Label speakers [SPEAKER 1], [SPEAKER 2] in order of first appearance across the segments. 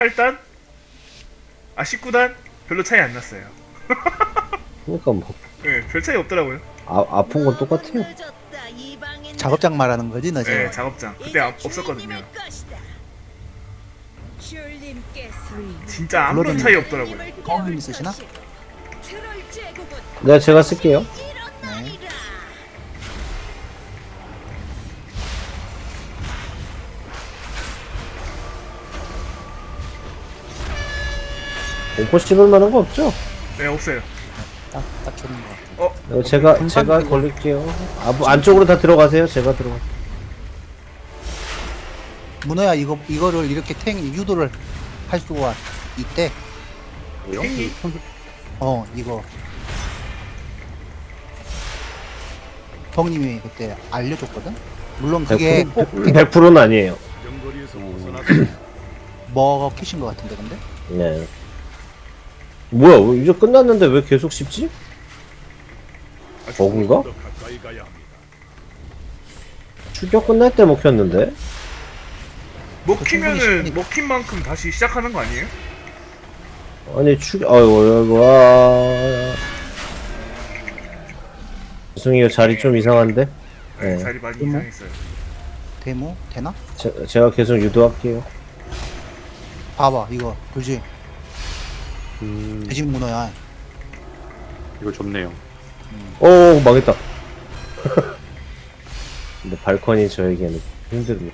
[SPEAKER 1] 18단? 아 19단? 별로 차이 안 났어요.
[SPEAKER 2] 그러니까 뭐
[SPEAKER 1] 네, 별 차이 없더라고요.
[SPEAKER 2] 아픈 건 똑같아요.
[SPEAKER 3] 작업장 말하는 거지, 너
[SPEAKER 1] 네,
[SPEAKER 3] 지금?
[SPEAKER 1] 작업장. 그때 없었거든요. 진짜 아무런
[SPEAKER 3] 블러드는
[SPEAKER 1] 차이 없더라고요.
[SPEAKER 3] 뻥이 쓰시나?
[SPEAKER 2] 네, 제가 쓸게요.
[SPEAKER 3] 네.
[SPEAKER 2] 공포 씹을 만한 거 없죠?
[SPEAKER 1] 네, 없어요.
[SPEAKER 3] 딱 좋은 거 같아.
[SPEAKER 2] 이거 제가 걸릴게요. 뭐 안쪽으로 다 들어가세요. 제가 들어가.
[SPEAKER 3] 문어야, 이거를 이렇게 유도를 할 수가 있대.
[SPEAKER 1] 팽이?
[SPEAKER 3] 이거. 덕님이 그때 알려줬거든? 물론 그게 꼭
[SPEAKER 2] 100%는 아니에요.
[SPEAKER 3] 먹히신 것 같은데, 근데?
[SPEAKER 2] 네. 뭐야, 이제 끝났는데 왜 계속 씹지? 버그인가? 추격 끝날 때 먹혔는데?
[SPEAKER 1] 먹히면은 먹힌 만큼 다시 시작하는 거 아니에요?
[SPEAKER 2] 아니, 아이고, 와. 죄송해요, 자리 좀 이상한데?
[SPEAKER 1] 네,
[SPEAKER 2] 네.
[SPEAKER 1] 자리 많이 이상했어요.
[SPEAKER 3] 데모? 되나?
[SPEAKER 2] 제가 계속 유도할게요.
[SPEAKER 3] 봐봐, 이거. 그지? 돼지 문어야.
[SPEAKER 4] 이거 좋네요.
[SPEAKER 2] 오, 망했다. 근데 발컨이 저에게는 힘듭니다.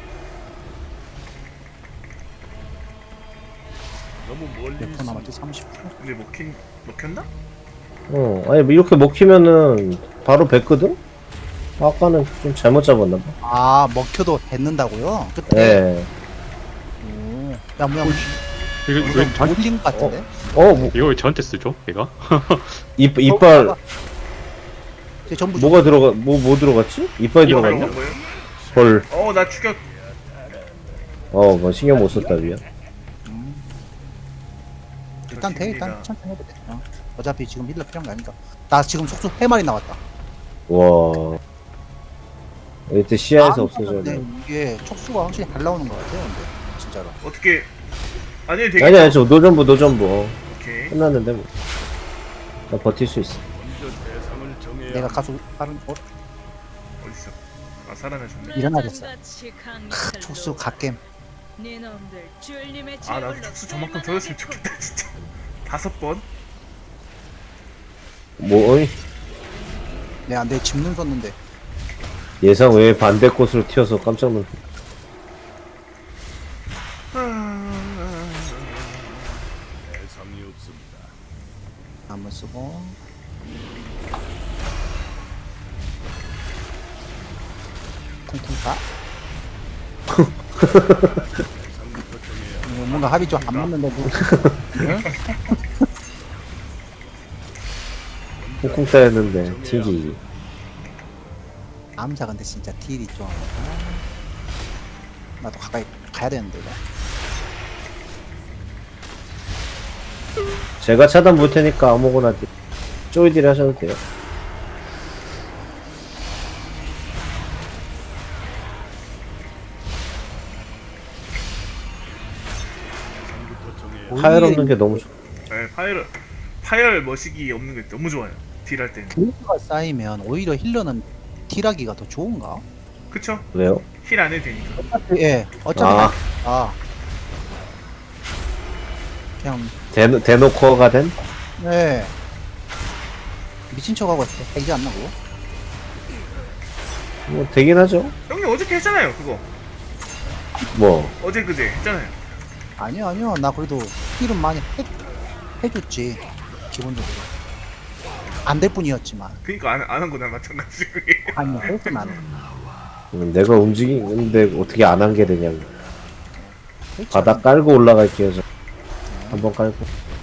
[SPEAKER 3] 몇 프로 남았지? 30%?
[SPEAKER 1] 근데 먹혔나?
[SPEAKER 2] 아니, 뭐 이렇게 먹히면은 바로 뱉거든? 아까는 좀 잘못 잡았나봐.
[SPEAKER 3] 아, 먹혀도 뱉는다고요? 그때?
[SPEAKER 2] 네.
[SPEAKER 3] 오. 야, 뭐야,
[SPEAKER 4] 이거 왜 전,
[SPEAKER 3] 올린 것 같은데?
[SPEAKER 2] 뭐,
[SPEAKER 4] 이거 왜 저한테 쓰죠? 얘가?
[SPEAKER 2] 이빨,
[SPEAKER 3] 이제 전부
[SPEAKER 2] 뭐가 뭐 들어갔지? 이빨이
[SPEAKER 1] 이거
[SPEAKER 2] 들어갔나?
[SPEAKER 1] 먹은 거예요?
[SPEAKER 2] 헐.
[SPEAKER 1] 나 추격.
[SPEAKER 2] 뭐 신경 못 썼다, 미안.
[SPEAKER 3] 일단 돼, 일단
[SPEAKER 1] 좋습니다.
[SPEAKER 3] 천천히 해도 돼. 어차피 지금 힐러 필요한 거 아니까. 나 지금 속수 3마리 나왔다.
[SPEAKER 2] 와. 이때 시야에서 없어져야
[SPEAKER 3] 근데
[SPEAKER 2] 돼.
[SPEAKER 3] 이게 촉수가 확실히 잘 나오는 것 같아요, 근데 진짜로.
[SPEAKER 1] 어떻게 아니 되게
[SPEAKER 2] 아니, 저 노전부.
[SPEAKER 1] 오케이.
[SPEAKER 2] 끝났는데, 뭐. 나 버틸 수 있어.
[SPEAKER 3] 내가 가수 빠른
[SPEAKER 1] 어딨어? 아 살아나셨네.
[SPEAKER 3] 일어나겠어. 촉수 갓겜.
[SPEAKER 1] 아 나도 축수 저만큼 터졌으면 좋겠다 진짜. 5번?
[SPEAKER 2] 어이?
[SPEAKER 3] 내가 내 집눈 썼는데
[SPEAKER 2] 예상 외에 반대 곳으로 튀어서 깜짝 놀랐
[SPEAKER 3] 한번 쓰고. 퉁퉁 가. 뭔가 합이 좀 안 맞는데 뭐. 응?
[SPEAKER 2] 쿵쿵 따였는데, 튀기.
[SPEAKER 3] 암사 근데 진짜 딜이 좀. 나도 가까이 가야 되는데 이거.
[SPEAKER 2] 제가 차단 볼 테니까 아무거나 쪼이딜 하셔도 돼요. 파열 없는 게 너무 좋아.
[SPEAKER 1] 네, 파열 머시기 없는 게 너무 좋아요. 딜할 때는.
[SPEAKER 3] 딜가 쌓이면 오히려 힐러는 딜하기가 더 좋은가?
[SPEAKER 1] 그쵸?
[SPEAKER 2] 왜요?
[SPEAKER 1] 힐 안 해도 되니까.
[SPEAKER 3] 예, 어차피
[SPEAKER 2] 아.
[SPEAKER 3] 그냥
[SPEAKER 2] 대놓고가 된?
[SPEAKER 3] 예 미친 척하고 되지 않나 그거?
[SPEAKER 2] 뭐, 되긴 하죠.
[SPEAKER 1] 형님 어저께 했잖아요 그거.
[SPEAKER 2] 뭐,
[SPEAKER 1] 어제 그제 했잖아요.
[SPEAKER 3] 아니요 나 그래도 힐은 많이 해줬지 기본적으로 안 될 뿐이었지만
[SPEAKER 1] 그니까 안 한 거나 마찬가지고.
[SPEAKER 3] 아니요 그렇게 나는
[SPEAKER 2] 내가 움직이는데 어떻게 안 한 게 되냐고. 바닥 깔고 올라갈게요, 저. 한번 깔고.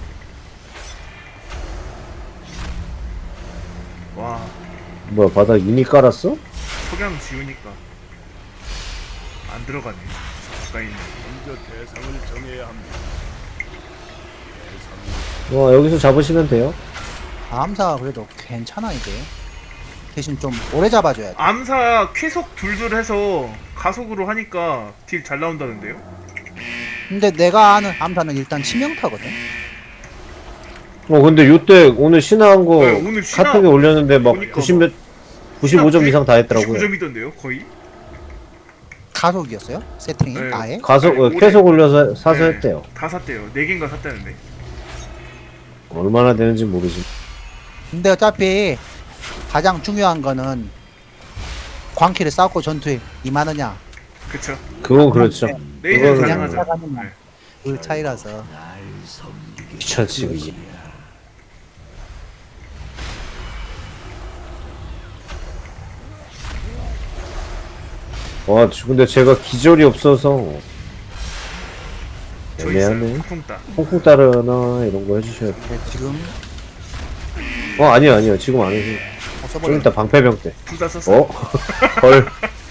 [SPEAKER 1] 와
[SPEAKER 2] 뭐야, 바닥 이미 깔았어?
[SPEAKER 1] 석양 지우니까 안 들어가네. 저 가까이 있는.
[SPEAKER 2] 여기서 잡으시면 돼요.
[SPEAKER 3] 암사 그래도 괜찮아 이게 대신 좀 오래 잡아줘야 돼.
[SPEAKER 1] 암사 쾌속 둘둘 해서 가속으로 하니까 딜 잘 나온다는데요?
[SPEAKER 3] 근데 내가 아는 암사는 일단 치명타거든.
[SPEAKER 2] 근데 요때 오늘 신화한 거
[SPEAKER 1] 네, 오늘 신화
[SPEAKER 2] 카톡에 올렸는데 막
[SPEAKER 1] 보니까
[SPEAKER 2] 90 몇, 95점 이상 다 했더라고요.
[SPEAKER 1] 99점이던데요, 거의?
[SPEAKER 3] 가속이었어요? 세팅이
[SPEAKER 1] 네.
[SPEAKER 3] 아예?
[SPEAKER 2] 가서
[SPEAKER 1] 아니, 올해-
[SPEAKER 2] 계속 올려서 사서
[SPEAKER 1] 네.
[SPEAKER 2] 했대요.
[SPEAKER 1] 다 샀대요. 4개인가 샀다는데.
[SPEAKER 2] 얼마나 되는지 모르지.
[SPEAKER 3] 근데 어차피 가장 중요한 거는 광키를 쌓고 전투에 임하느냐
[SPEAKER 1] 그쵸?
[SPEAKER 2] 그건 그렇죠.
[SPEAKER 1] 내일은
[SPEAKER 2] 그거는
[SPEAKER 1] 가능하죠.
[SPEAKER 3] 나가느냐
[SPEAKER 1] 네.
[SPEAKER 3] 그 차이라서.
[SPEAKER 2] 귀찮지 그게. 와, 근데 제가 기절이 없어서
[SPEAKER 1] 저 있어요.
[SPEAKER 2] 애매하네.
[SPEAKER 1] 쿵따.
[SPEAKER 2] 콩콩 따르나 이런 거 해주셔야 돼.
[SPEAKER 3] 근데 지금
[SPEAKER 2] 아니요 지금 안 해서 좀
[SPEAKER 3] 써버려.
[SPEAKER 2] 이따 방패병 때.
[SPEAKER 1] 둘 다 썼어요.
[SPEAKER 2] 헐.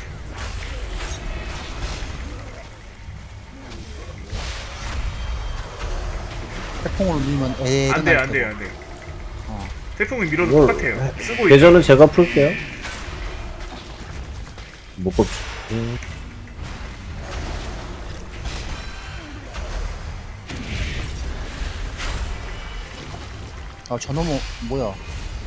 [SPEAKER 3] 태풍으로 밀면 애도
[SPEAKER 1] 안 돼요, 안 돼요, 안 돼요.
[SPEAKER 3] 어.
[SPEAKER 1] 태풍이 밀어도
[SPEAKER 2] 이걸-
[SPEAKER 1] 똑같아요. 쓰고 있죠.
[SPEAKER 2] 계좌는 제가 풀게요. 못 꼽죠.
[SPEAKER 3] 저놈은 뭐야?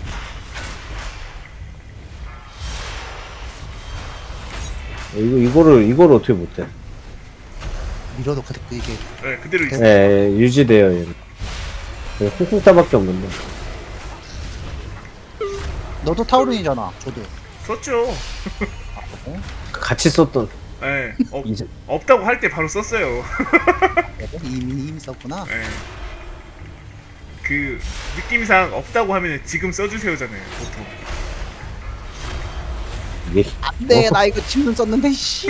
[SPEAKER 2] 이거를 어떻게 못해?
[SPEAKER 3] 밀어도 이게
[SPEAKER 1] 네, 그대로 있어요.
[SPEAKER 2] 네, 유지돼요, 얘는. 콩콩 따밖에 없는데.
[SPEAKER 3] 너도 타우린이잖아. 저도.
[SPEAKER 1] 썼죠.
[SPEAKER 2] 같이 썼던.
[SPEAKER 1] 네.
[SPEAKER 2] 이제
[SPEAKER 1] 없다고 할 때 바로 썼어요.
[SPEAKER 3] 이미 썼구나.
[SPEAKER 1] 네. 그 느낌상 없다고 하면 지금 써주세요잖아요, 보통.
[SPEAKER 2] 이게
[SPEAKER 3] 안돼 나 이거 침눈 썼는데 씨.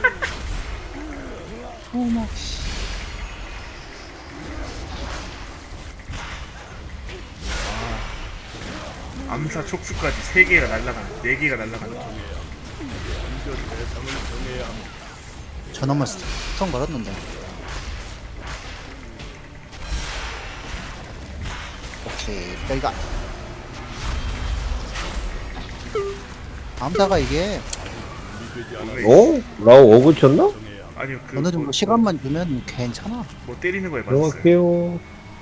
[SPEAKER 3] 어머 씨.
[SPEAKER 1] 암사 촉수까지 3개가 날라가는, 4개가 날라가는.
[SPEAKER 3] 저놈을 스톤 걸었는데. 오케이 여기가 암사가 이게
[SPEAKER 2] 라오 어그 쳤나?
[SPEAKER 1] 아니요, 그
[SPEAKER 3] 어느 정도 시간만 주면 괜찮아.
[SPEAKER 1] 뭐 때리는 거에 맞았어요.
[SPEAKER 2] 들어갈게요.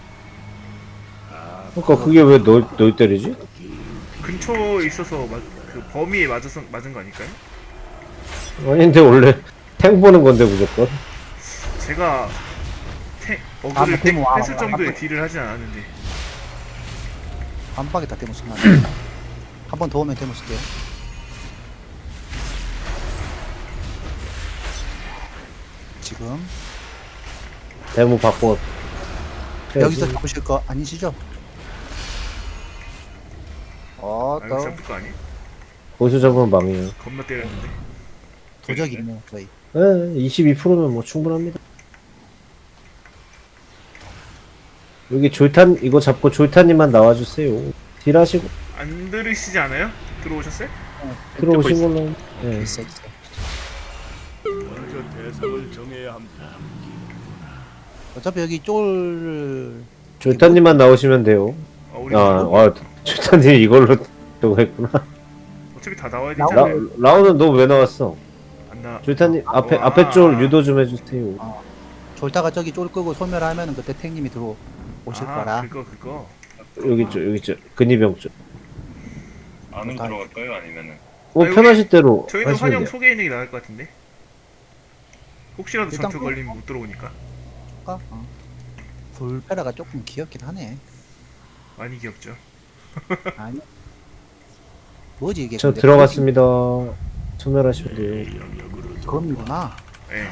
[SPEAKER 2] 그러니까 그게 왜 널 때리지?
[SPEAKER 1] 근처에 있어서 그 범위에 맞은 거 아닐까요?
[SPEAKER 2] 아닌데 원래 탱 보는 건데 무조건.
[SPEAKER 1] 제가
[SPEAKER 3] 아,
[SPEAKER 1] 어그를
[SPEAKER 3] 뭐, 와,
[SPEAKER 1] 뺐을
[SPEAKER 3] 와,
[SPEAKER 1] 정도의
[SPEAKER 3] 와.
[SPEAKER 1] 딜을 하진 않았는데.
[SPEAKER 3] 한 방에 다 데모 쓰면 한 번 더 오면 데모 쓸게요. 지금
[SPEAKER 2] 대무 바꿔.
[SPEAKER 3] 여기서 잡으실 거 아니시죠?
[SPEAKER 1] 아,
[SPEAKER 3] 또
[SPEAKER 1] 잡을 거 아니에요?
[SPEAKER 2] 거기서 잡으면 망해요.
[SPEAKER 1] 겁나 때렸는데.
[SPEAKER 3] 도적 있네요 저희.
[SPEAKER 2] 네, 22%면 뭐 충분합니다. 여기 졸탄 이거 잡고 졸탄님만 나와주세요. 딜하시고
[SPEAKER 1] 안 들으시지 않아요? 들어오셨어요?
[SPEAKER 2] 들어오신 걸로. 네.
[SPEAKER 3] 있어 있어. 어차피 여기 쫄
[SPEAKER 2] 졸탄님만 나오시면 돼요.
[SPEAKER 1] 우리
[SPEAKER 2] 졸탄님 이걸로 저거 했구나.
[SPEAKER 1] 어차피 다 나와야
[SPEAKER 3] 나오-
[SPEAKER 1] 되잖아요.
[SPEAKER 2] 라오는 너 왜 나왔어?
[SPEAKER 1] 안 나.
[SPEAKER 2] 졸탄님 앞에
[SPEAKER 1] 와.
[SPEAKER 2] 앞에 쫄 유도 좀 해주세요.
[SPEAKER 3] 졸다가 저기 쫄 끄고 소멸하면은 그때 탱님이 들어오실 거라.
[SPEAKER 1] 그거.
[SPEAKER 2] 여기 있죠 근위병 쪽.
[SPEAKER 5] 안으로 들어갈까요? 아니면은
[SPEAKER 2] 뭐
[SPEAKER 1] 아,
[SPEAKER 2] 편하실 대로
[SPEAKER 1] 저희는
[SPEAKER 2] 하시면
[SPEAKER 1] 환영
[SPEAKER 2] 돼요.
[SPEAKER 1] 소개 있는 게 나을 것 같은데. 혹시라도
[SPEAKER 3] 일단
[SPEAKER 1] 전투 걸리면 못 들어오니까.
[SPEAKER 3] 불페라가 조금 귀엽긴 하네.
[SPEAKER 1] 많이 귀엽죠.
[SPEAKER 3] 아니 뭐지 이게?
[SPEAKER 2] 저
[SPEAKER 3] 근데
[SPEAKER 2] 들어갔습니다. 소멸하시면 돼요.
[SPEAKER 3] 검이구나.
[SPEAKER 1] 예.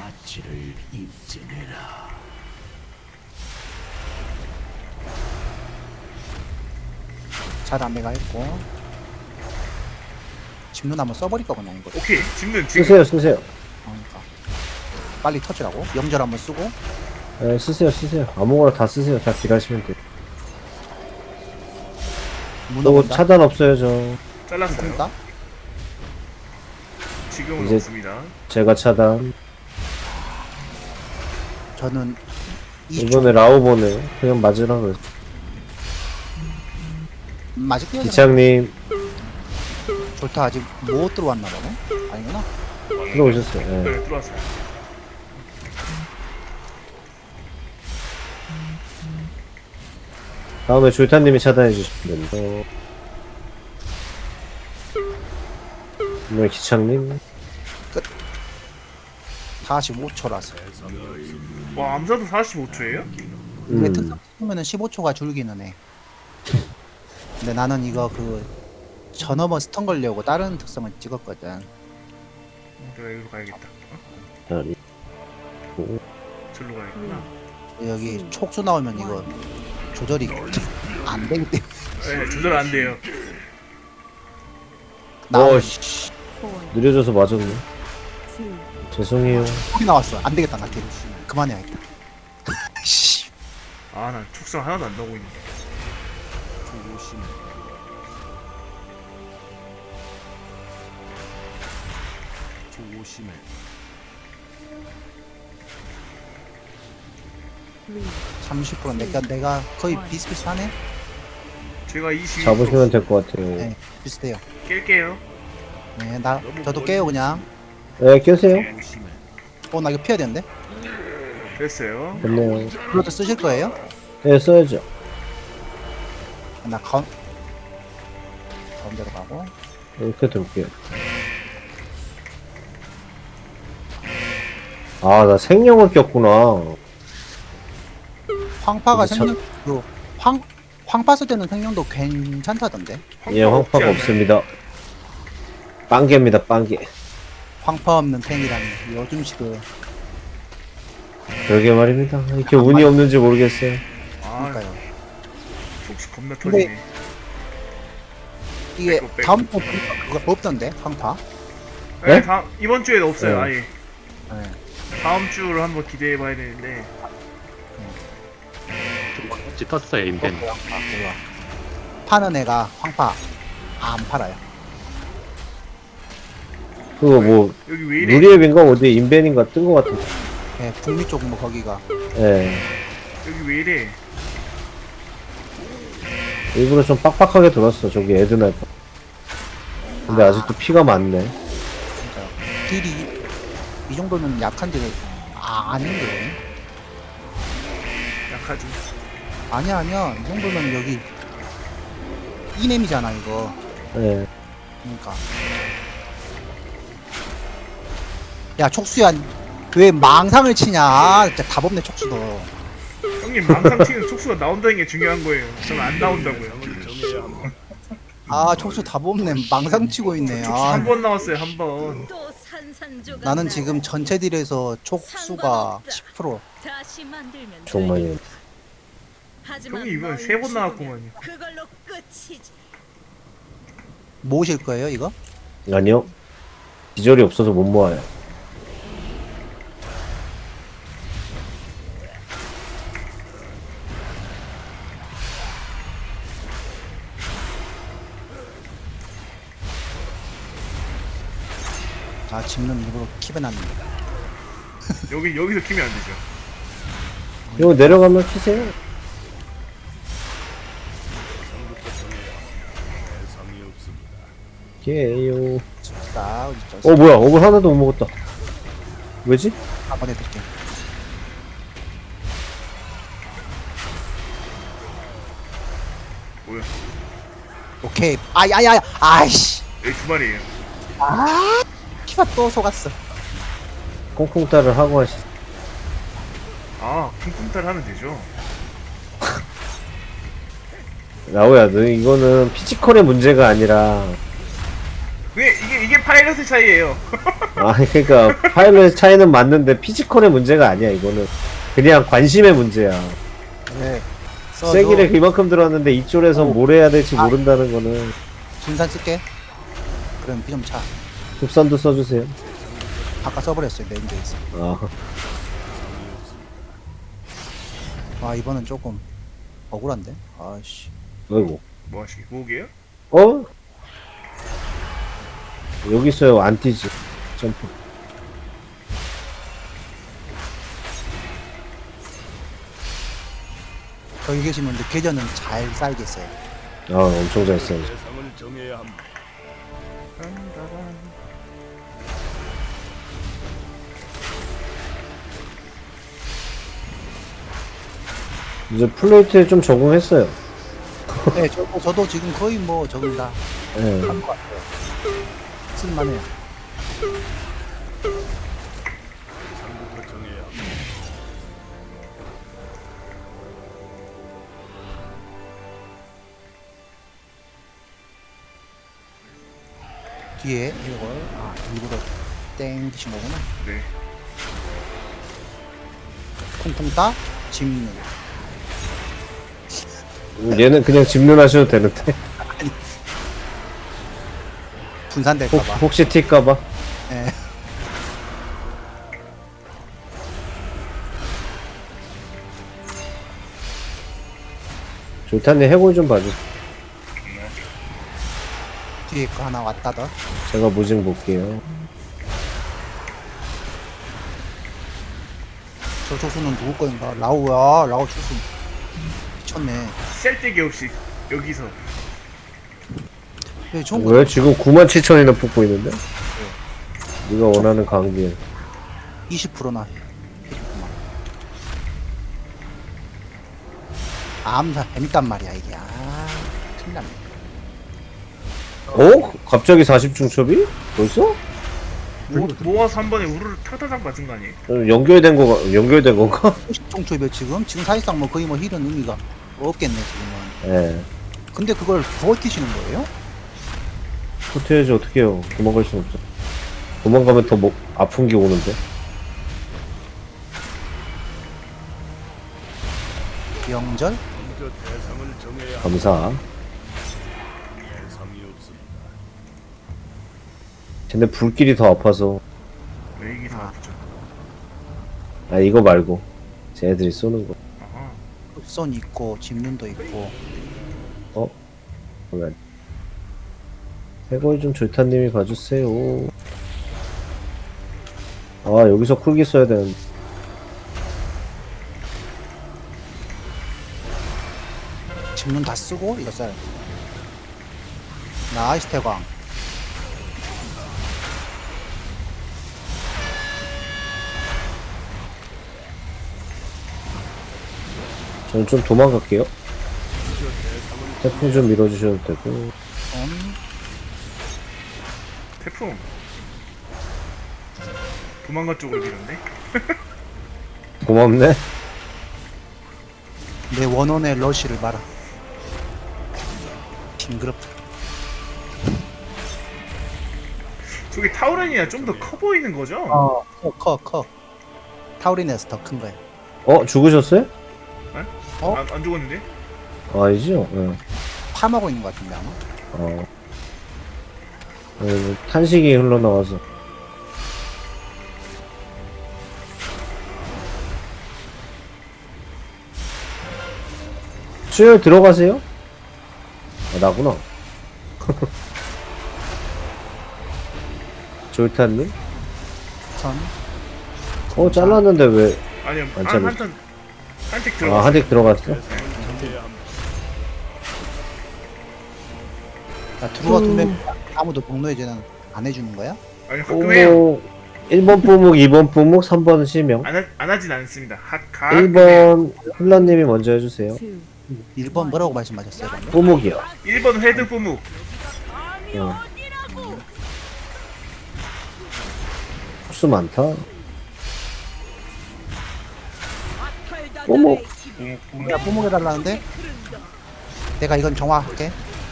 [SPEAKER 3] 잘 안내가 했고. 집눈 한번 써버릴까 그냥 이거.
[SPEAKER 1] 오케이. 집는 지금.
[SPEAKER 2] 쓰세요.
[SPEAKER 3] 그러니까 빨리 터지라고. 영절 한번 쓰고.
[SPEAKER 2] 네, 쓰세요. 아무거나 다 쓰세요. 다 딜하시면 돼요.
[SPEAKER 3] 문어
[SPEAKER 2] 또
[SPEAKER 3] 본다.
[SPEAKER 2] 차단 없어요 저.
[SPEAKER 1] 잘랐어요.
[SPEAKER 3] 본다.
[SPEAKER 1] 지금은
[SPEAKER 2] 이제-
[SPEAKER 1] 없습니다.
[SPEAKER 2] 제가 차단.
[SPEAKER 3] 저는
[SPEAKER 2] 이번에 라오보네. 그냥 맞으라 그랬어.
[SPEAKER 3] 맞을게요.
[SPEAKER 2] 기창님
[SPEAKER 3] 좋다. 아직 못 들어왔나 보네. 아니구나.
[SPEAKER 2] 들어오셨어요. 네.
[SPEAKER 1] 네, 들어왔어요.
[SPEAKER 2] 다음에 조이타님이 차단해 주시면 됩니다. 오늘 기창님
[SPEAKER 3] 45초라서.
[SPEAKER 1] 와 암사도 45초예요?
[SPEAKER 3] 이게 특성 쓰면은 15초가 줄기는 해. 근데 나는 이거 그 전업은 스턴 걸려고 다른 특성을 찍었거든.
[SPEAKER 1] 내가 여기로 가야겠다.
[SPEAKER 2] 아니
[SPEAKER 1] 절로 가야겠구나.
[SPEAKER 3] 여기 촉수 나오면 이거 조절이 안 되기 때문에.
[SPEAKER 1] 네, 조절 안 돼요.
[SPEAKER 3] 나오면
[SPEAKER 2] 어씨 느려져서 맞았네. 죄송해요.
[SPEAKER 3] 소리 나왔어. 안 되겠다 나 뒤로. 그만해야겠다. 씨.
[SPEAKER 1] 아, 난 축성 하나도 안 나오고 있는데.
[SPEAKER 6] 조심해.
[SPEAKER 3] 30% 내가 거의 비슷비슷하네.
[SPEAKER 1] 제가 22초
[SPEAKER 2] 잡으시면 될 것 같아요.
[SPEAKER 3] 네, 비슷해요.
[SPEAKER 1] 깰게요.
[SPEAKER 3] 네, 저도 깨요 그냥.
[SPEAKER 2] 네, 껴세요.
[SPEAKER 6] 조심해.
[SPEAKER 3] 나 이거 피해야 되는데.
[SPEAKER 1] 됐어요.
[SPEAKER 2] 됐네요.
[SPEAKER 3] 그것도 쓰실 거예요?
[SPEAKER 2] 네, 써야죠.
[SPEAKER 3] 나 가운데로 가고.
[SPEAKER 2] 이렇게 둘게요. 아, 나 생명을 꼈구나.
[SPEAKER 3] 황파가
[SPEAKER 2] 근데 참-
[SPEAKER 3] 생명 황파 쓸 때는 생명도 괜찮다던데.
[SPEAKER 2] 예, 황파가 없습니다. 빵개입니다, 빵개.
[SPEAKER 3] 황파 없는 탱이랑 요즘식을.
[SPEAKER 2] 그러게 말입니다. 이렇게 운이 없는지 모르겠어요.
[SPEAKER 1] 아,
[SPEAKER 3] 그러니까요.
[SPEAKER 1] 축수 겁나
[SPEAKER 3] 근데-
[SPEAKER 1] 터지네.
[SPEAKER 3] 이게
[SPEAKER 1] 빼고.
[SPEAKER 3] 다음 주 그거 없던데 황파.
[SPEAKER 1] 네?
[SPEAKER 2] 네?
[SPEAKER 1] 이번 주에는 없어요.
[SPEAKER 2] 네.
[SPEAKER 1] 아예.
[SPEAKER 3] 네.
[SPEAKER 1] 다음 주를 한번 기대해봐야 되는데.
[SPEAKER 4] 지 떴어요 인벤.
[SPEAKER 3] 그거 파는 애가 황파 안 팔아요.
[SPEAKER 2] 그거 뭐,
[SPEAKER 1] 여기 왜 이래?
[SPEAKER 2] 누리앱인가 어디 인벤인가 뜬 것 같은데.
[SPEAKER 3] 예, 북미 쪽 뭐 거기가.
[SPEAKER 2] 예.
[SPEAKER 1] 여기 왜 이래?
[SPEAKER 2] 일부러 좀 빡빡하게 돌았어, 저기 에드나이퍼. 근데 아직도 피가 많네.
[SPEAKER 3] 진짜 딜이 이 정도면 약한데 아닌데.
[SPEAKER 1] 약하죠.
[SPEAKER 3] 아니야 이 정도면 여기 이넴이잖아 이거.
[SPEAKER 2] 예.
[SPEAKER 3] 그러니까 야 촉수야 왜 망상을 치냐. 아, 진짜 답 없네 촉수도.
[SPEAKER 1] 형님 망상 치는 촉수가 나온다는 게 중요한 거예요. 저는 안 나온다고요.
[SPEAKER 3] 아 촉수 답 없네. 망상 치고 있네.
[SPEAKER 1] 촉수
[SPEAKER 3] 아,
[SPEAKER 1] 한 번 나왔어요. 한 번.
[SPEAKER 7] 또 산산조각
[SPEAKER 3] 나는
[SPEAKER 7] 나요.
[SPEAKER 3] 지금 전체 딜에서 촉수가 10%.
[SPEAKER 7] 다시 만들면
[SPEAKER 2] 정말.
[SPEAKER 7] 되겠다. 하지만
[SPEAKER 1] 형님 이번
[SPEAKER 7] 너희
[SPEAKER 1] 3번
[SPEAKER 7] 죽으면
[SPEAKER 1] 나왔구만요.
[SPEAKER 7] 그걸로 끝이지.
[SPEAKER 3] 모으실 거예요 이거?
[SPEAKER 2] 아니요. 기절이 없어서 못 모아요.
[SPEAKER 3] 아 집는 일부러 킵해놨는데.
[SPEAKER 1] 여기서 키면 안 되죠.
[SPEAKER 2] 이거 내려가면 키세요. 예요.
[SPEAKER 3] 자 어디 있죠?
[SPEAKER 2] 뭐야, 어글 하나도 못 먹었다. 왜지?
[SPEAKER 3] 한번 해드릴게.
[SPEAKER 1] 뭐야?
[SPEAKER 3] 오케이. 아야야야. 아이씨.
[SPEAKER 1] 여기 두 마리예요.
[SPEAKER 3] 키가 또 속았어.
[SPEAKER 2] 콩콩따를 하고 하시.
[SPEAKER 1] 아, 쿵쿵탈 하면 되죠.
[SPEAKER 2] 라오야, 너 이거는 피지컬의 문제가 아니라,
[SPEAKER 1] 이게 파일럿의 차이예요.
[SPEAKER 2] 아, 그러니까 파일럿의 차이는 맞는데 피지컬의 문제가 아니야. 이거는 그냥 관심의 문제야.
[SPEAKER 3] 네.
[SPEAKER 2] 세기를 그만큼 들었는데 이쪽에서 뭘 해야 될지 모른다는 거는.
[SPEAKER 3] 분산 쓸게. 그럼 비 좀 차.
[SPEAKER 2] 국산도 써주세요.
[SPEAKER 3] 아까 써버렸어요 메인데 있어. 아 이번엔 조금 억울한데. 아씨.
[SPEAKER 2] 아이고.
[SPEAKER 1] 뭐 하시게? 구호게요?
[SPEAKER 2] 어? 여기 있어요. 안 뛰지. 점프.
[SPEAKER 3] 거기 계시면 근데 계좌는 잘 쌓이겠어요.
[SPEAKER 2] 아, 엄청 잘 써요.
[SPEAKER 6] 대상을 정해야 합니다.
[SPEAKER 2] 이제 플레이트에 좀 적응했어요.
[SPEAKER 3] 네, 저도 지금 거의 뭐 저기 다
[SPEAKER 2] 예.
[SPEAKER 3] 한 것 같아요. 쓸만해요.
[SPEAKER 6] 상부터 정해야 합니다.
[SPEAKER 3] 뒤에 이걸 일부러 땡기신 거구나.
[SPEAKER 1] 네.
[SPEAKER 3] 콩콩 따 짚는.
[SPEAKER 2] 얘는 그냥 집는 하셔도 되는데.
[SPEAKER 3] 분산될까봐.
[SPEAKER 2] 혹시 튈까봐.
[SPEAKER 3] 예.
[SPEAKER 2] 조탄님 해골 좀 봐주세요.
[SPEAKER 3] 뒤에 거 하나 왔다더.
[SPEAKER 2] 제가 무징 볼게요.
[SPEAKER 3] 저 조수는 누구 거인가? 라우야, 라우 조수. 미쳤네.
[SPEAKER 1] 셀때기 없이 여기서
[SPEAKER 3] 왜 좋은 거?
[SPEAKER 2] 왜 지금 97,000이나 뽑고 있는데? 네가 원하는 강길.
[SPEAKER 3] 20%나 해줬구만. 암사 재밌단 말이야 이게. 틀렸네.
[SPEAKER 2] 어? 갑자기 40중 첩이? 벌써?
[SPEAKER 1] 모아서 한 번에 우르르 타다닥 맞은 거 아니에요?
[SPEAKER 2] 연결된 건가?
[SPEAKER 3] 50종초이면 지금 사실상 뭐 거의 뭐 힐은 의미가 없겠네 지금은.
[SPEAKER 2] 예.
[SPEAKER 3] 근데 그걸 버티시는 거예요?
[SPEAKER 2] 호텔에지 어떻게 해요? 도망갈 순 없어. 도망가면 더 아픈 게 오는데.
[SPEAKER 3] 명절?
[SPEAKER 6] 먼저 대상을 정해야 합니다.
[SPEAKER 2] 감사.
[SPEAKER 6] 대상이 없습니다.
[SPEAKER 2] 쟤네 불길이 더 아파서.
[SPEAKER 1] 왜 이게 다 아프죠?
[SPEAKER 2] 아, 이거 말고. 쟤네들이 쏘는 거.
[SPEAKER 1] 아하.
[SPEAKER 3] 흡선 있고 집눈도 있고.
[SPEAKER 2] 그러면. 해골 좀 조타님이 봐주세요. 아, 여기서 쿨기 써야 되는데.
[SPEAKER 3] 집눈 다 쓰고 이거 써요. 나이스 태광.
[SPEAKER 2] 저는 좀 도망갈게요. 태풍 좀 밀어주셔도 되고.
[SPEAKER 1] 태풍 도망가 쪽으로 밀었네.
[SPEAKER 2] 고맙네.
[SPEAKER 3] 내 원원의 러쉬를 봐라. 징그럽다.
[SPEAKER 1] 저기 타우렌이야 좀 더 커 보이는 거죠?
[SPEAKER 3] 커. 타우린에서 더 큰 거야.
[SPEAKER 2] 죽으셨어요?
[SPEAKER 1] 안 죽었는데?
[SPEAKER 2] 아니죠? 예.
[SPEAKER 3] 파먹고 있는 것 같은데 아마.
[SPEAKER 2] 탄식이 흘러나와서. 수혈 들어가세요? 나구나. 졸탄님?
[SPEAKER 3] 선.
[SPEAKER 2] 잘랐는데 왜?
[SPEAKER 1] 아니요
[SPEAKER 2] 안 잘렸어.
[SPEAKER 1] 한택 들어갔어.
[SPEAKER 2] 한택 들어갔어?
[SPEAKER 6] 정해야 합니다.
[SPEAKER 3] 자, 들어와 두면 아무도 복로해제는 안 해주는 거야?
[SPEAKER 1] 아니 가끔 해요.
[SPEAKER 2] 1번 뿌묵, 2번 뿌묵, 3번 실명.
[SPEAKER 1] 안 하진 않습니다. 가끔 해요.
[SPEAKER 2] 1번 흘러님이 먼저 해주세요.
[SPEAKER 3] 1번 뭐라고 말씀하셨어요 방금?
[SPEAKER 2] 뿌묵이요.
[SPEAKER 1] 1번 헤드 뿌묵.
[SPEAKER 2] 수 많다. 뿌묵.
[SPEAKER 3] 야 뽀목 해달라는데? 내가 이건 정화할게.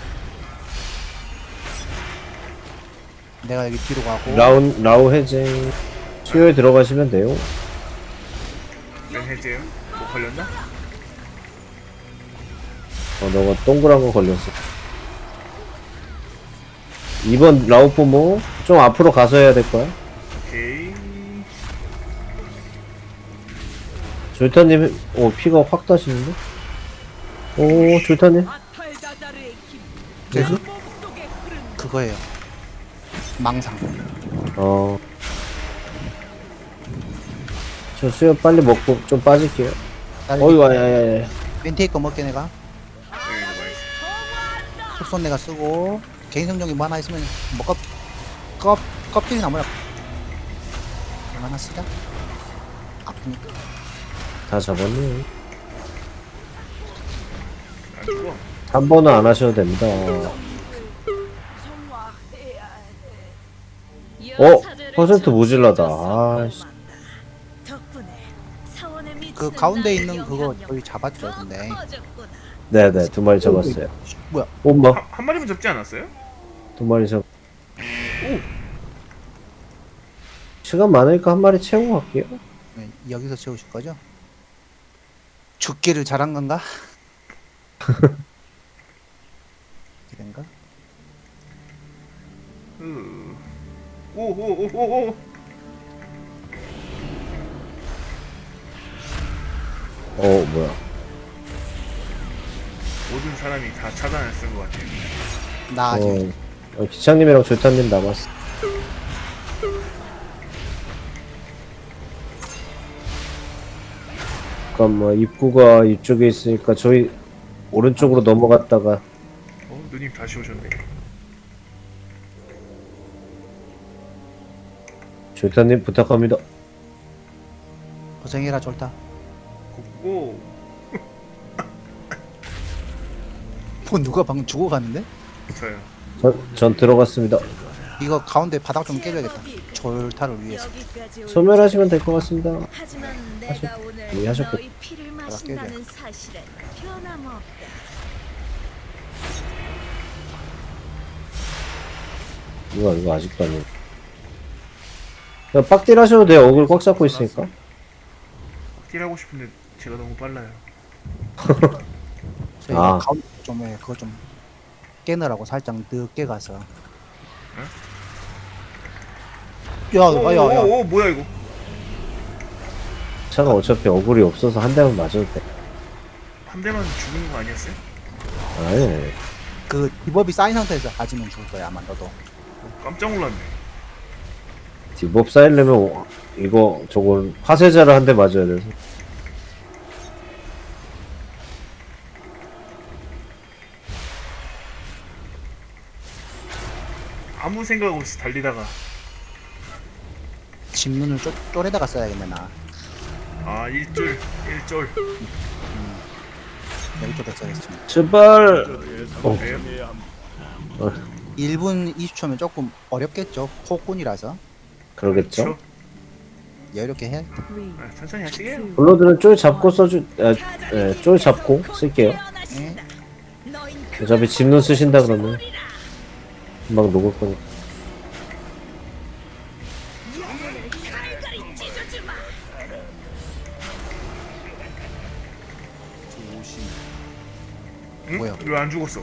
[SPEAKER 3] 내가 여기 뒤로 가고.
[SPEAKER 2] 라우 해제. 수요일 들어가시면 돼요.
[SPEAKER 1] 면 해제요. 뭐 걸렸나?
[SPEAKER 2] 너가 동그란 거 걸렸어. 2번 라우 뿌묵. 좀 앞으로 가서 해야 될 거야.
[SPEAKER 1] 오케이.
[SPEAKER 2] 졸타님, 피가 확 다시는데? 졸타님.
[SPEAKER 3] 그래서 그거예요. 망상.
[SPEAKER 2] 저 수요 빨리 먹고 좀 빠질게요. 야야야야.
[SPEAKER 3] 멘테이커 먹게 내가.
[SPEAKER 1] 여기도 봐야지.
[SPEAKER 3] 흡손 내가 쓰고 개인 성적이 뭐 하나 있으면 뭐 껍질이나 뭐야. 얼마나 쓰자. 아프니까.
[SPEAKER 2] 다 잡았네.
[SPEAKER 1] 안 죽어.
[SPEAKER 2] 3번은 안 하셔도 됩니다. 퍼센트 모질라다. 아씨.
[SPEAKER 3] 그 가운데 있는 그거 저희 잡았죠, 근데.
[SPEAKER 2] 네네, 2마리 잡았어요.
[SPEAKER 3] 뭐야?
[SPEAKER 2] 엄마,
[SPEAKER 1] 한 마리만 잡지 않았어요?
[SPEAKER 2] 2마리 잡. 시간 많으니까 1마리 채우고 갈게요.
[SPEAKER 3] 네, 여기서 채우실 거죠? 죽기를 잘한 건가? 이런가?
[SPEAKER 1] 오오오오오.
[SPEAKER 2] 뭐야.
[SPEAKER 1] 모든 사람이 다 차단을 쓴 것 같아요.
[SPEAKER 3] 나 아직
[SPEAKER 2] 기창님이랑 조탄님 남았어. 잠깐만, 입구가 이쪽에 있으니까 저희 오른쪽으로 넘어갔다가
[SPEAKER 1] 누님 다시 오셨네.
[SPEAKER 2] 조탄님 부탁합니다.
[SPEAKER 3] 고생해라 졸다.
[SPEAKER 1] 오.
[SPEAKER 3] 뭐 누가 방금 죽어갔는데?
[SPEAKER 1] 저요.
[SPEAKER 2] 전 들어갔습니다.
[SPEAKER 3] 이거 가운데 바닥 좀 깨줘야겠다. 졸타를 위해서.
[SPEAKER 2] 소멸하시면 될 것 같습니다.
[SPEAKER 7] 하지만 내가 오늘
[SPEAKER 2] 이해하셨겠-
[SPEAKER 7] 너희 피를 마신다는 사실은 변함없다.
[SPEAKER 2] 이거 아직도 안 해. 그냥 빡딜 하셔도 돼요. 어글 꽉 잡고 있으니까.
[SPEAKER 1] 딜하고 싶은데 제가 너무 빨라요.
[SPEAKER 3] 저희가
[SPEAKER 2] 아.
[SPEAKER 3] 가운데 좀 그거 좀 깨느라고 살짝 늦게 가서. 야야야.
[SPEAKER 1] 오 뭐야 이거?
[SPEAKER 2] 차가 어차피 어글이 없어서 한 대만 맞아도 돼.
[SPEAKER 1] 한 대만 죽는 거 아니었어요?
[SPEAKER 2] 아니,
[SPEAKER 3] 그 디법이 쌓인 상태에서 맞으면 죽을 거야 아마 너도.
[SPEAKER 1] 깜짝 놀랐네.
[SPEAKER 2] 디법 쌓이려면 이거 저걸 화세자를 한 대 맞아야 돼서.
[SPEAKER 1] 아무 생각 없이 달리다가
[SPEAKER 3] 집눈을 쫄에다가 써야겠네 나.
[SPEAKER 1] 일쫄
[SPEAKER 3] 여기 쪽에 써야겠어.
[SPEAKER 2] 제발.
[SPEAKER 6] 대상을 정해야 합니다.
[SPEAKER 3] 1분 20초면 조금 어렵겠죠. 폭군이라서
[SPEAKER 2] 그러겠죠.
[SPEAKER 3] 여유롭게 해야겠다.
[SPEAKER 1] 천천히 하시게요.
[SPEAKER 2] 블러드는 쫄 잡고 쫄 잡고 쓸게요.
[SPEAKER 3] 예?
[SPEAKER 2] 어차피 집눈 쓰신다 그러면 금방 녹을 거니까.
[SPEAKER 1] 응?
[SPEAKER 3] 뭐야?
[SPEAKER 1] 왜 안 죽었어?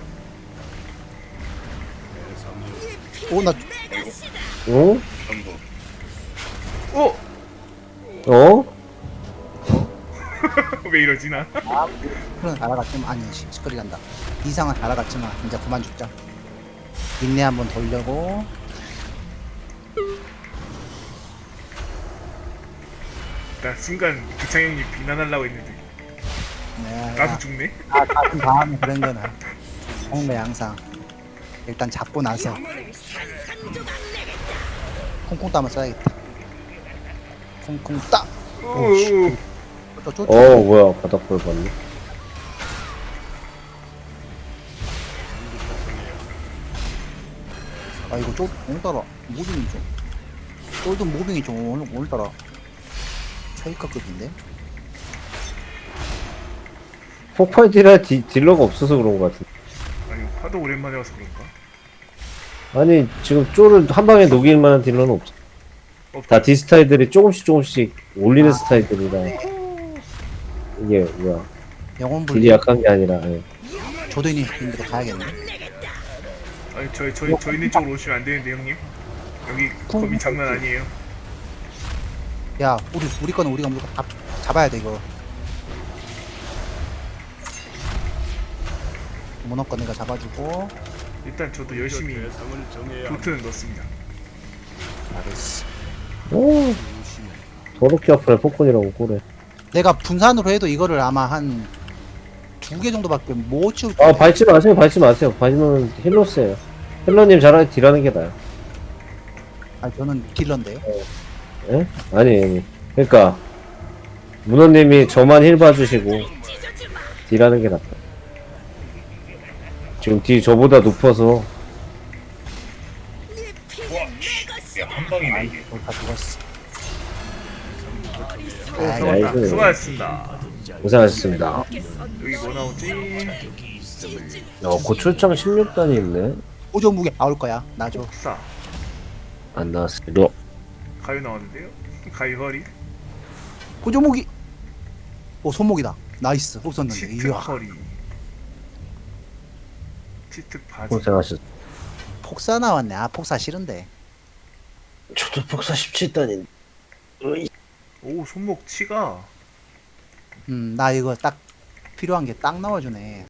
[SPEAKER 3] 오나
[SPEAKER 2] 어?
[SPEAKER 5] 전부.
[SPEAKER 1] 어?
[SPEAKER 2] 어?
[SPEAKER 1] 왜 이러지 나?
[SPEAKER 3] 그런 알아갔지만 아니 시끌이란다. 이상은 알아갔지만 이제 그만 죽자. 인내 한번 돌려고.
[SPEAKER 1] 나 순간 기창형님 비난하려고 했는데
[SPEAKER 3] 네,
[SPEAKER 1] 나도 죽네?
[SPEAKER 3] 같은 다음에 그런 거는 좋은 거야 항상. 일단 잡고 나서 콩콩 따면 써야겠다. 콩콩 따.
[SPEAKER 1] 오오오.
[SPEAKER 2] 뭐야, 바닥볼 봤네.
[SPEAKER 3] 아 이거 쫄 오늘따라 무빙이 좀 쫄도 무빙이 좀 오늘따라 페이커급인데.
[SPEAKER 2] 폭발 딜러가 없어서 그런 것 같은데.
[SPEAKER 1] 아니 하도 오랜만에 와서 그런가?
[SPEAKER 2] 아니, 지금 쫄을 한 방에 녹일 만한 딜러는 없어. 다 디스타일들이 조금씩 올리는 스타일들이라. 이게 뭐야,
[SPEAKER 3] 영혼
[SPEAKER 2] 딜이
[SPEAKER 3] 불리.
[SPEAKER 2] 약한 게 아니라. 예.
[SPEAKER 3] 조도인이 있는데도 가야겠네.
[SPEAKER 1] 아니 저희 있는 쪽으로 오시면 안 되는데 형님. 여기 범위 장난 아니에요.
[SPEAKER 3] 야 우리 거는 우리가 무조건 잡아야 돼 이거. 문어 거 내가 잡아주고.
[SPEAKER 1] 일단 저도 열심히
[SPEAKER 6] 대상을 정해야 합니다.
[SPEAKER 1] 도트는 넣습니다.
[SPEAKER 3] 알겠어.
[SPEAKER 2] 오, 더럽게 아프네, 폭군이라고 꼬래.
[SPEAKER 3] 내가 분산으로 해도 이거를 아마 한 2개 정도밖에 못 치울
[SPEAKER 2] 아,
[SPEAKER 3] 거야.
[SPEAKER 2] 밟지 마세요. 밟으면 힐러스예요. 힐러님 잘하게 딜하는 게 나아요.
[SPEAKER 3] 아니 저는 딜러인데요.
[SPEAKER 2] 예? 아니. 그러니까 문어님이 저만 힐 봐주시고 딜하는 게 낫다. 지금 딜 저보다 높아서
[SPEAKER 7] 네 피는
[SPEAKER 5] 와,
[SPEAKER 7] 내
[SPEAKER 5] 야, 한 방이네, 이게.
[SPEAKER 3] 다 죽었어.
[SPEAKER 1] 오
[SPEAKER 3] 아이,
[SPEAKER 1] 잡았다.
[SPEAKER 2] 나이스.
[SPEAKER 1] 수고하셨습니다.
[SPEAKER 2] 고생하셨습니다.
[SPEAKER 1] 여기 뭐 나오지?
[SPEAKER 2] 고출장 16단이 있네.
[SPEAKER 3] 오종 무게 나올 거야. 나줘.
[SPEAKER 1] 폭사.
[SPEAKER 2] 안 나왔어요.
[SPEAKER 1] 가위 나왔는데요? 가위 허리.
[SPEAKER 3] 오종 무기. 오 손목이다. 나이스. 없었는데.
[SPEAKER 1] 치특
[SPEAKER 3] 이야.
[SPEAKER 1] 허리. 치특 바지.
[SPEAKER 2] 고생하셨.
[SPEAKER 3] 폭사 나왔네. 아 폭사 싫은데.
[SPEAKER 2] 저도 폭사 17단인데.
[SPEAKER 1] 오 손목 치가.
[SPEAKER 3] 나 이거 딱 필요한 게 딱 나와주네.